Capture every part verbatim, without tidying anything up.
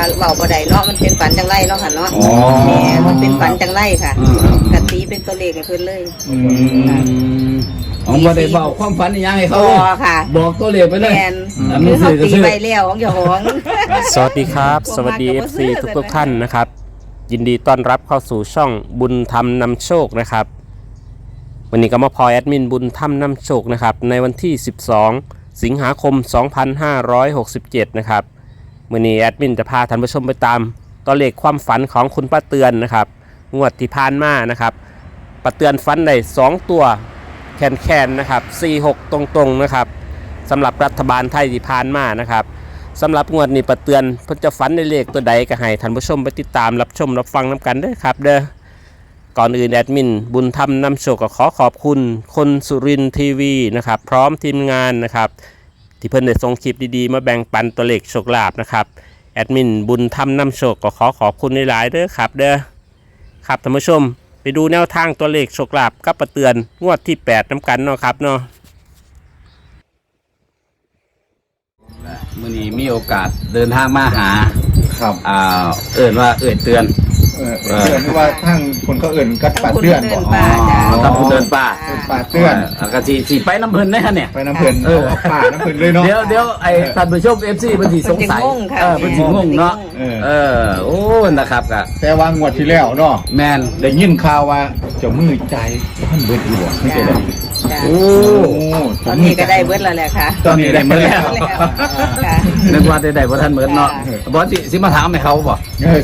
เบาบ่ได้เนาะมันเป็นฝันจังไรเนาะค่ะเนาะแม่มันเป็นฝันจังไรค่ะกะตีเป็นตัวเลขให้เพิ่นเลยอืมอ๋อบ่ได้เบาความฝันยังให้เขาค่ะบอกตัวเลขไปเลยแม่นคือเขาตีไปแล้วของเจ้าของสวัสดีครับสวัสดี เอฟ ซี ทุกทุกท่านนะครับยินดีต้อนรับเข้าสู่ช่องบุญธรรมนำโชคนะครับวันนี้ก็มาพอแอดมินบุญธรรมนำโชคนะครับในวันที่สิบสองสิงหาคมสองพันห้าร้อยหกสิบเจ็ดนะครับวันนี้แอดมินจะพาท่านผู้ชมไปตามตัวเลขความฝันของคุณป้าเตือนนะครับงวดที่ผ่านมานะครับป้าเตือนฝันได้สองตัวแคนแคนนะครับสี่หกตรงๆนะครับสำหรับรัฐบาลไทยที่ผ่านมานะครับสำหรับงวดนี้ป้าเตือนเพิ่นจะฝันในเลขตัวใดก็ให้ท่านผู้ชมไปติดตามรับชมรับฟังน้ำกันด้วยครับเด้อก่อนอื่นแอดมินบุญธรรมนำโชคก็ขอขอบคุณคนสุรินทร์ทีวีนะครับพร้อมทีมงานนะครับที่เพิ่นได้ส่งคลิปดีๆมาแบ่งปันตัวเลขโชคลาภนะครับแอดมินบุญธรรมนำโชคก็ขอขอบคุณหลายๆเด้อครับเด้อครับท่านผู้ชมไปดูแนวทางตัวเลขโชคลาภกับป้าเตือนงวดที่แปดน้ำกันเนาะครับเนาะมื้อนี้มีโอกาสเดินทางมาหาครับอ่าเอิ้นว่าเอิ้นเตือนเออเตือนว่าทั้งคนเขาเอิ้นกัดป่าเตือนบ่อ๋อตำบลเดินป่าป่าเตือนก็สิสิไปน้ำเพิ่นได้ฮะเนี่ยไปน้ำเพิ่นเออป่าน้ำเพิ่นเลยเนาะเดี๋ยวเดี๋ยวไอ้ท่านผู้ชม เอฟ ซี เพิ่นสิสงสัยเออเพิ่นสิงงเนาะเออโอ้นะครับก็แต่ว่างวดที่แล้วเนาะแม่นได้ยินข่าวว่าเจ้ามือใจท่านเบิดอยู่ไม่ใช่ได้โอ้ตอนนี้ก็ได้เบิดแล้วแหละค่ะตอนนี้ได้เบิดแล้วนึกว่าได้ได้บ่ทันเบิดเนาะบ่สิสิมาถามให้เขาบ่เออ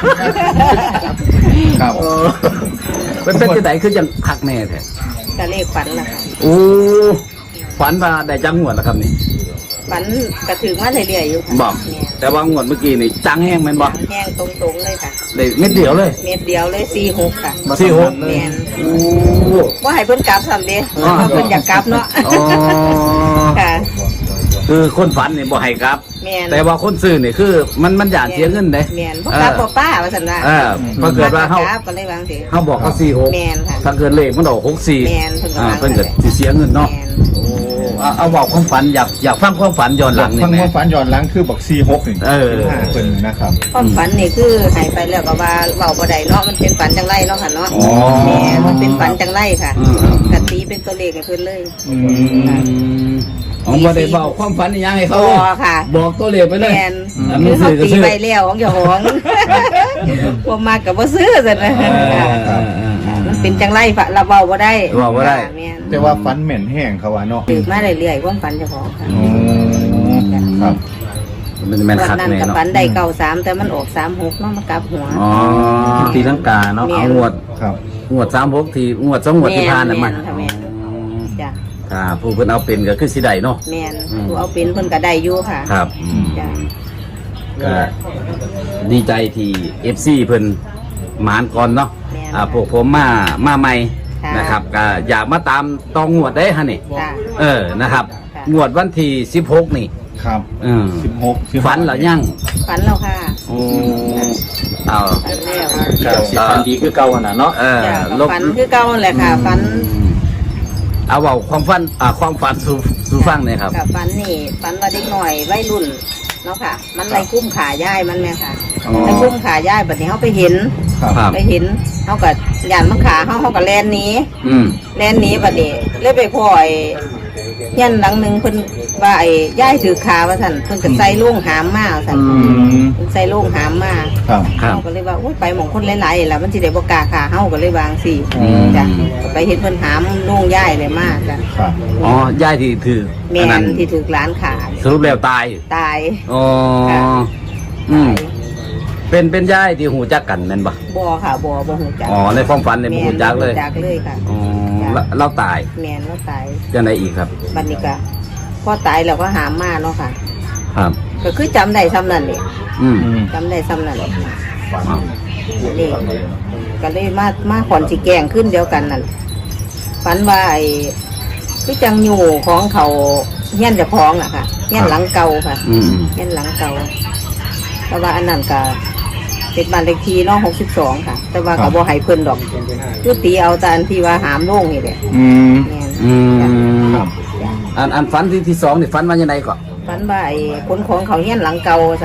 ครับเป็นเป็นจังได๋คือจังคักแน่แท้ก็เลขฝันล่ะค่ะโอ้ฝันว่าได้จังงวดแล้วครับนี่ฝันกระถึงมาเรื่อยๆอยู่ค่ะบอกแต่ว่างวดเมื่อกี้นี่จังแห้งแม่นบ่แห้งตรงๆเลยค่ะได้เม็ดเดียวเลยเม็ดเดียวเลยสี่หกค่ะสี่หกแม่นโอ้บ่ให้เพิ่นกลับซ้ำเด้เพิ่นอยากกลับเนาะค่ะคือคนฝันนี่บ่ให้กลับแต่ว่าคนซื้อนี่คือมันมันอยากเสียเงินเด้แม่นบ่กลับบ่ป้าว่าซั่นว่าเออพอเกิดว่าเฮาก็เลยวางสิเฮาบอกว่าสี่หกแม่นค่ะถ้าเกิดเลขมันออกหกสี่แม่นเพิ่นก็ว่าเพิ่นก็สิเสียเงินเนาะโอ้เอาบอกความฝันอยากอยากฟังความฝันย้อนหลังนี่ฟังความฝันย้อนหลังคือบอกสี่หกนี่เออเพิ่นนะครับความฝันนี่คือให้ไปแล้วก็ว่าเว้าบ่ได้เนาะมันเป็นฝันจังไรเนาะค่ะเนาะแม่มันเป็นฝันจังไรค่ะกะตีเป็นตัวเลขให้เพิ่นเลยอืมอ๋อบ่ได้เบาความฝันยังให้เขาค่ะบอกตัวเลขไปเลยแม่นคือเขาตีไปแล้วของเจ้าของบ่มากก็บ่ซื้อซั่นนะมันเป็นจังไรฝะเราเว้าบ่ได้เว้าบ่ได้แม่นแต่ว่าฝันแม่นแห้งเขาว่าเนาะตื่นมาเรื่อยๆความฝันเจ้าของค่ะอ๋อครับมันแม่นคักแน่เนาะฝันได้เก้าสามแต่มันออกสามหกเนาะมันกลับหัวอ๋อตีลังกาเนาะเอางวดครับงวดสามหกทีงวดสองงวดที่ผ่านน่ะมันจ้ะถ้าผู้เพิ่นเอาเป็นก็คือสิได้เนาะแม่นผู้เอาเป็นเพิ่นก็ได้อยู่ค่ะครับจ้ะก็ดีใจที่ เอฟ ซี เพิ่นหมานก่อนเนาะอ่าพวกผมมามาใหม่นะครับก็อยากมาตามตองงวดได้ฮะนี่เออนะครับงวดวันที่สิบหกนี่ครับเออสิบหกฝันแล้วยังฝันแล้วค่ะโอ้เอาครับสิฝันดีคือเก่าน่ะเนาะเออฝันคือเก่าแหละค่ะฝันเอาเว้าความฝันอ่าความฝันสู่สู่ฟังหน่อยครับฝันนี่ฝันว่าเด็กหน่อยวัยรุ่นเนาะค่ะมันไล่กุ้มขาย่ายมันแม่ค่ะไล่กุ้มขาย่ายบัดนี้เขาไปเห็นไปเห็นเขาก็หยาดมันขาเขาเขาก็แลนนี้แลนนี้บัดนี้เลยไปพ่อไอ้ยันหลังหนึ่งเพิ่นว่าไอ้ย่ายถือขาว่าสั่นเพิ่นก็ใส่ลูกหามมาสั่นใส่ลูกหามมาเขาก็เลยว่าอุ้ยไปหมองคนหลายๆแล้วมันสิได้บ่กล้าขาเฮาก็เลยวางสิจ้ะไปเห็นเพิ่นหามลูกย่ายเลยมากจ้ะอ๋อย่ายที่ถือแม่นที่ถือหลานขาสรุปแล้วตายตายอ๋ออืมเป็นเป็นย่ายที่หูจักกันนั่นบ่บ่ค่ะบ่บ่หูจักอ๋อในความฝันในหูจักเลยจักเลยค่ะอ๋อเราตายแม่นเราตายจังได๋อีกครับบัดนี้ก็พอตายแล้วก็หามมาเนาะค่ะครับก็คือจำได้ซ้ำนั่นแหละอืมจำได้ซ้ำนั่นแหละนี่ก็เลยมามาขอนสิแกงขึ้นเดียวกันนั่นฝันว่าไอ้คือจังอยู่ของเขาเฮี้ยนจะพ้องอะค่ะเฮี้ยนหลังเก่าค่ะเฮี้ยนหลังเก่าแต่ว่าอันนั้นก็เป็นบ้านเลขที่น้องหกสิบสองค่ะแต่ว่าก็บ่ให้เพิ่นดอกคือตีเอาแต่อันที่ว่าหามโล่งนี่แหละอืมอืมอันอันฝันที่ที่สองนี่ฝันว่ายังไงก่อนฝันว่าไอ้คนของเขาเฮี้ยนหลังเก่าสั่น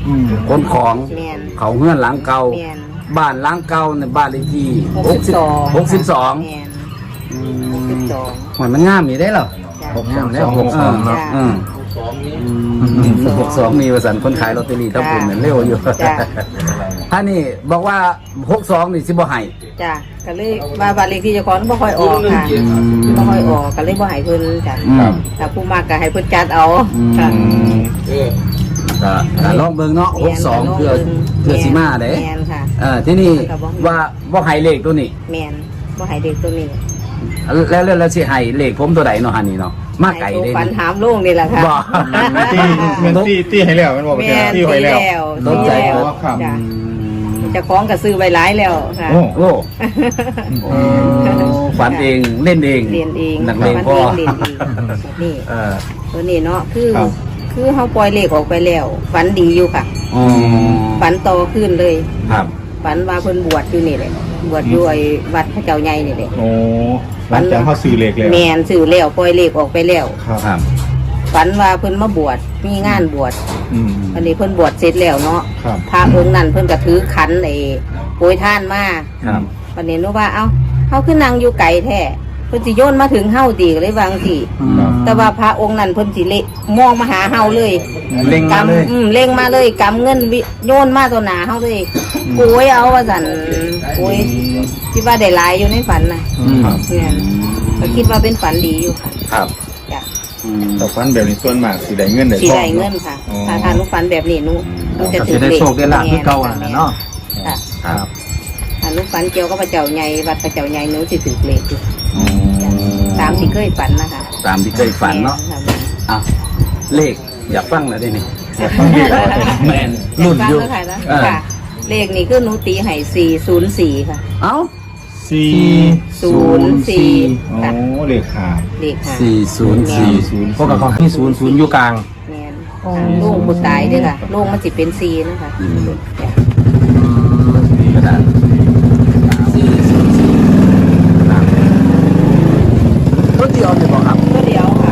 อืมขนของแม่นเขาเฮือนหลังเก่าแม่นบ้านหลังเก่าในบ้านเลขที่หกสิบสองหกสิบสองแม่นอืหกสิบมสองหอยมันงามอยู่ได้เหรอจ้ะหกสองแล้วหกสองเนาะจ้ะอืมหกสองมีประสันคนขายลอตเตอรี่ต้องคุณเนี่ยเร็วอยู่จ้ะท่านนี่บอกว่าหกสองนี่สิบ่ให้จ้ะก็เลยว่าบ้านเลขที่เจ้าของบ่ค่อยออกค่ะบ่ค่อยออกก็เลยบ่ให้เพิ่นจ้ะครับถ้าผู้มากก็ให้เพิ่นจัดเอาอืมค่ะก็ก็ลองเบิ่งเนาะหกสองเพื่อเพื่อสิมาเด้แม่นค่ะเออที่นี่ว่าบ่ให้เลขตัวนี้แม่นบ่ให้เด็กตัวนี้แล้วแล้วแล้วสิให้เลขผมตัวใดเนาะฮันนี่เนาะมาไก่ให้เด้ตัวฝันถามลุงนี่แหละค่ะบ่ตีเงินตีตีให้แล้วมันบอกแม่ว่าน ตีตีไว้แล้วแล้วตกใจตีแล้วครับจ้ะอืมเจะคล้าของก็ซื้อไว้หลายแล้วค่ะโอ้โอ้โอ้ฝันเองเล่นเองเรียนเองนักเลงมันพ่อเองเรียนเองนี่เออตัวนี้เนาะคือครับคือเฮาปล่อยเลขออกไปแล้วฝันดีอยู่ค่ะอ๋อฝันโตขึ้นเลยครับฝันว่าเพิ่นบวชอยู่นี่แหละบวชอยู่ไอ้วัดพระเจ้าใหญ่นี่แหละโอ้หลังจากเขาซื้อเหล็กแล้วแม่นซื้อแล้วปล่อยเลขออกไปแล้วครับครับฝันว่าเพิ่นมาบวชมีงานบวชอืมอันนี้เพิ่นบวชเสร็จแล้วเนาะครับพระองค์นั้นเพิ่นก็ถือขันไอ้โปรยท่านมาครับวันนี้นึกว่าเอ้าเฮาขึ้นนางอยู่ไกลแท้เพิ่นสิโยนมาถึงเฮาดีก็เลยวาจั่งสิครับแต่ว่าพระองค์นั้นเพิ่นสิเละมองมาหาเฮาเลยเล็งมาเลยกำอืมเล็งมาเลยกำเงินวิโยนมาตัวหนาเฮาเลยโกยเอาว่าสั่นโกยคิดว่าได้หลายอยู่ในฝันน่ะอืมเนี่ยก็คิดว่าเป็นฝันดีอยู่ค่ะครับจ้ะอืมแต่ฟันแบบนี้ส่วนมากสิได้เงินได้สิทองได้เงินค่ะอ๋อถ้าทานลูกฝันแบบนี้หนูหนูจะก็ถืสิอได้เลขโชคได้ลาภคือเก่าน่ะเนาะค่ะครับถ้าลูกฝันเกี่ยวกับพระเจ้าใหญ่วัดพระเจ้าใหญ่หนูสิถือเลขอยู่อ๋อตามที่เคยฝันนะคะตามที่เคยฝันเนาะแม่อ่ะเลขอยากฟังหน่อยได้ไหมฟังดีแล้วแมนรุ่นอยู่ฟังแล้วค่ะนะเออค่ะ เลขนี่คือหนูตีให้สี่ศูนย์สี่ค่ะเอ้าสี่ศูนย์สี่โอ้ค่ะเหล็กขาดเลขค่ะสี่ศูนย์สี่ศูนย์พวกกับของที่ศูนย์ศูนย์อยู่กลางแม่นลูกบุตรตายเด้วยค่ะลูกมันสิเป็นซีนะคะอืมจ้ะกระดาษสี่ศูนย์สี่ครับรถเดียวเลยบอกครับก็เดียวค่ะ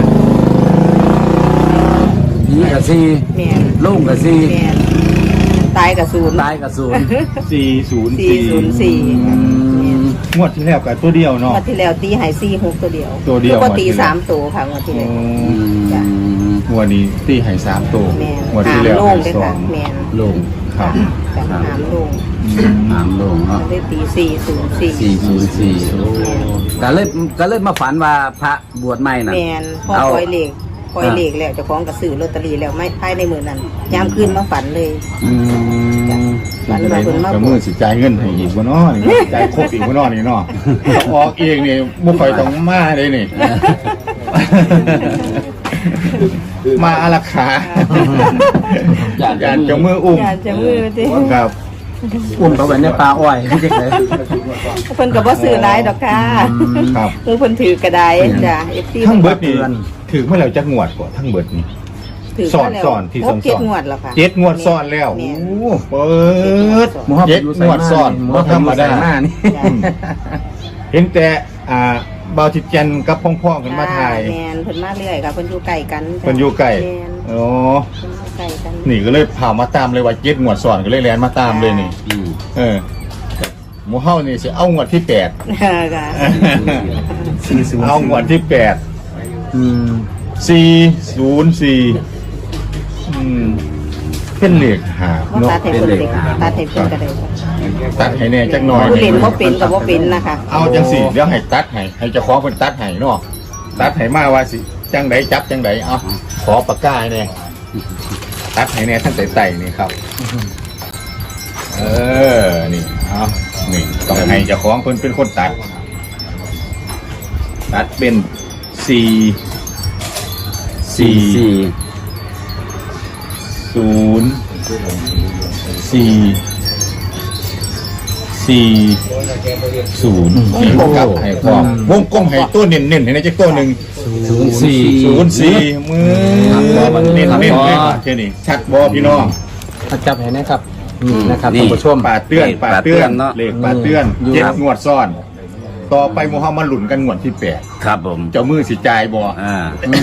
ผีกับสี่แม่นลุงกับสี่แม่นตายกับศูนย์ตายกับศูนย์สี่ศูนย์สี่สี่ศูนย์สี่งวดที่แล้วกับตัวเดียวเนาะงวดที่แล้วตีให้สี่หกตัวเดียวตัวเดียวแล้วก็งวดที่ตีแล้วสามตัวค่ะงวดที่โอ้แล้ว จ้ะงวดนี้ตีให้สามตัวแม่นงวดหาที่มแล้วโล่งให้เลยสอค่ะงแม่นลุงครับจ้ะหามโล่งหามลุงเนาะก็เลยตีสี่ศูนย์สี่สี่ศูนย์สี่ก็เลยก็เลยมาฝันว่าพระบวชใหม่น่ะแม่นพอเอาปล่อยเลขปล่อยเลขแล้วเจะคล้าของกับซื้อลอตเตอรี่แล้วไม่ภายในมือนั้นยามคืนมาฝันเลยอืมฝันว่าเพิ่นมาก็บมืวอชสิจ่ายเงินให้อีกบ่เนาะนี่จ่ายครบอีกบ่เนาะนี่เนาะถ้าออกเองนี่บ่ค่อยต้องมาเลยนี่ มาอารักขาอยากยานจะมืออุ้มอยากจะมือสิครับอุ้มเขาไว้ในปลาอ้อยไม่ใช่เลยเพิ่นก็บ่ซื้อหลายดอกค่ะครับหมูเพิ่นถือกระไดจ้ะ เอฟ ซีทั้งเบิดนี่ถือเมื่อแล้วจักงวดกว่าทั้งเบิดนี่ถือสอนมาแล้วสอนที่คสรอบ นเจ็ดสอนงวดแล้วค่ะเจ็ดงวดซ้อนแล้วแม่โอ้นเปิดหมูฮอบเจ็ดอยู่งวดซ้อนหมูบ่ฮอบธรรมดาอยู่ใส่หน้นี่จ้ะเห็นแต่อ่าบาวจิตจันทร์กับพ่องๆกันมาถ่ายแม่นเพิ่นมาเรื่อยค่ะเพิ่นอยู่ใกล้กันจ้ะเพิ่นอยู่ใกล้แม่นอ๋อเพิ่นอยู่ใกล้กันนี่ก็เลยพามาตามเลยว่าเจ็ดงวดซ้อนก็เลยแลนมาตามเลยนี่อืมเออหมูเฮานี่สิเอางวดที่แปดค่ะสี่ศูนย์เอางวดที่แปดอืมสี่ศูนย์สี่อืมเป็นเลขหาว่าเนาะตัดให้เพิ่นเลยตัดให้เพิ่นก็ได้ค่ะตัดให้แน่จักหน่อยผู้เล่นบ่เป็นก็บ่เป็นนะคะเอาจังสี่เดี๋ยวให้ตัดให้ให้เจ้าของเพิ่นตัดให้เนาะตัดให้มาว่าสิจังไดจับจังไดเอาขอปากกาให้แน่ตัดให้แน่ทั้งไต่ๆนี่ครับ เออนี่เอานี่ต้องให้เจ้าของเพิ่นเป็นคนตัด ตัดเป็นสี่สี่สี่สี่ศูนย์สี่สี่ศูนย์วงกลมให้พร้อมวงกลมให้ตัวเน้นๆให้ในจักตัวหนึ่งศูนย์สี่ศูนย์สี่มือมันเน้นๆเลยว่าแค่นี้ชัดบอพี่น้องมาจับให้นะครับนี่นะครับนี่ท่านผู้ชมป่าเตือนป่าเตือนเนาะเลขป่าเตือนอยู่เจ็ดครับงวดซ้อนต่อไปโมฮัมมัดหลุนกันงวดที่แปดครับผมเจ้ามือสิจ่ายบ่อ่า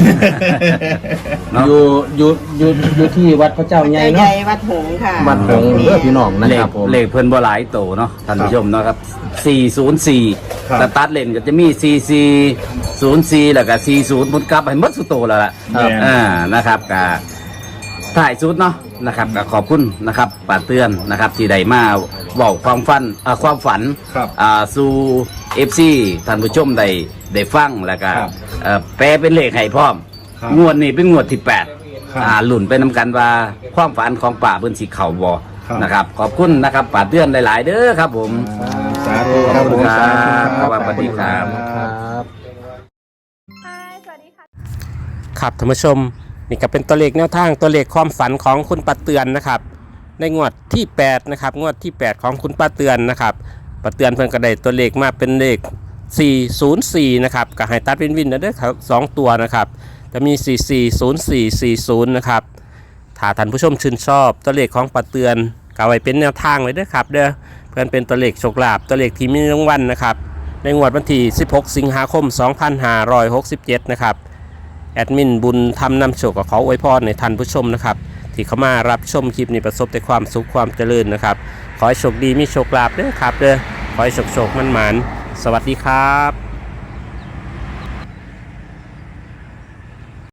อยู่อยู่อยู่อยู่ที่วัดพระเจ้าใหญ่ใหเนาะญ่วัดหงส์ค่ะวัดหงส์เด้อพี่น้องนะเลคขรับผมเลขเพิ่นบ่หลายโตเนาะท่านผู้ชมเนาะครับสี่ศูนย์สี่ครับแต่ตัดเลนก็จะมีสี่สี่ศูนย์สี่แล้วก็สี่ศูนย์บนกลับให้หมดสุดโตแล้วล่ะครับอ่านะครับก็ถ่ายสุดเนาะนะครับก็ขอบคุณนะครับป้าเตือนนะครับที่ได้มาบอกความฝันอ่าความฝันครับอ่าสู่ เอฟ ซี ท่านผู้ชมได้ได้ฟังแล้วก็ครับเอ่อแปลเป็นเลขให้พร้อมครับงวดนี้เป็นงวดที่แปดครับอ่าหลุ่นไปนำกันว่าความฝันของป่าเพิ่นสิเข่าบ่ครับนะครับ ขอบคุณนะครับป่าเตือนหลาย ๆ เด้อครับผมสาธุครับผมครับสาธุครับสวัสดีครับครับครับท่านผู้ชมนี่ก็เป็นตัวเลขแนวทางตัวเลขความฝันของคุณป้าเตือนนะครับในงวดที่แปดนะครับงวดที่แปดของคุณป้าเตือนนะครับป้าเตือนเพิ่นก็ได้ตัวเลขมาเป็นเลขสี่ศูนย์สี่นะครับก็ให้ตัดวินวินนะเด้อครับสองตัวนะครับจะมีสี่สี่ศูนย์สี่สี่ศูนย์นะครับถ้าท่านผู้ชมชื่นชอบตัวเลขของป้าเตือนก็เอาไว้เป็นแนวทางเลยเด้อครับเด้อเพื่อนเป็นตัวเลขโชคลาภตัวเลขที่มีรางวัลนะครับในงวดวันที่สิบหกสิงหาคมสองพันห้าร้อยหกสิบเจ็ดนะครับแอดมินบุญทำนำโชคกับขออวยพรในท่านผู้ชมนะครับที่เข้ามารับชมคลิปนี้ประสบแต่ความสุขความเจริญนะครับขอให้โชคดีมีโชคลาภเด้อครับเด้อขอให้โชคโชคมันหมานสวัสดีครับ